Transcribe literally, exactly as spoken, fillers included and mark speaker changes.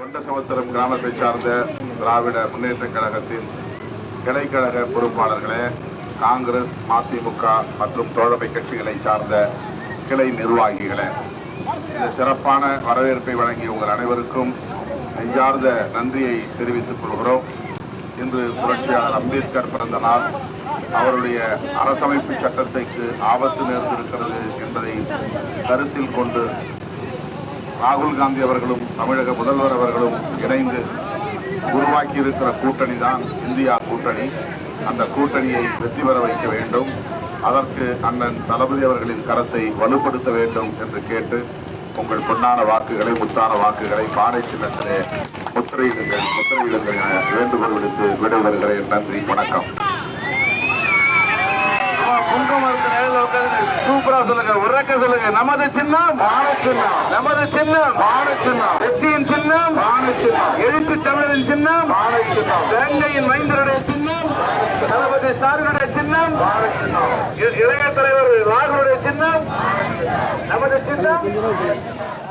Speaker 1: கொண்டசமுத்திரம் கிராமத்தை சார்ந்த திராவிட முன்னேற்ற கழகத்தின் கிளைக்கழக பொறுப்பாளர்களே, காங்கிரஸ், மதிமுக மற்றும் தோழமை கட்சிகளை சார்ந்த கிளை நிர்வாகிகளே, இந்த சிறப்பான வரவேற்பை வழங்கிய உங்கள் அனைவருக்கும் நெஞ்சார்ந்த நன்றியை தெரிவித்துக் கொள்கிறோம். இன்று புரட்சியாளர் அம்பேத்கர் பிறந்த நாள். அவருடைய அரசமைப்பு சட்டத்திற்கு ஆபத்து நேர்ந்திருக்கிறது என்பதை கருத்தில் கொண்டு ராகுல் காந்தி அவர்களும் தமிழக முதல்வர் அவர்களும் இணைந்து உருவாக்கி இருக்கிற கூட்டணி தான் இந்தியா கூட்டணி. அந்த கூட்டணியை வெற்றி பெற வைக்க வேண்டும். அதற்கு அண்ணன் தளபதி அவர்களின் கரத்தை வலுப்படுத்த வேண்டும் என்று கேட்டு உங்கள் பொன்னான வாக்குகளை, முத்தான வாக்குகளை பானை சின்னத்திலே முத்திரையிடுங்கள் முத்திரையிடுங்கள் என வேண்டுகோள் விடுத்து விடைபெறுகிறேன். நன்றி, வணக்கம். சூப்பரா சொல்லுங்க, உறக்க சொல்லுங்க. நமது சின்னம் சின்னம், நமது சின்னம் சின்னம், வெற்றியின் சின்னம் சின்னம், எழுத்து தமிழின் சின்னம் சின்னம், வேங்கையின் மைந்தருடைய சின்னம், தளபதி ஸ்டாலினுடைய சின்னம் சின்னம், இளைய தலைவர் ராகுலுடைய சின்னம் நமது சின்னம்.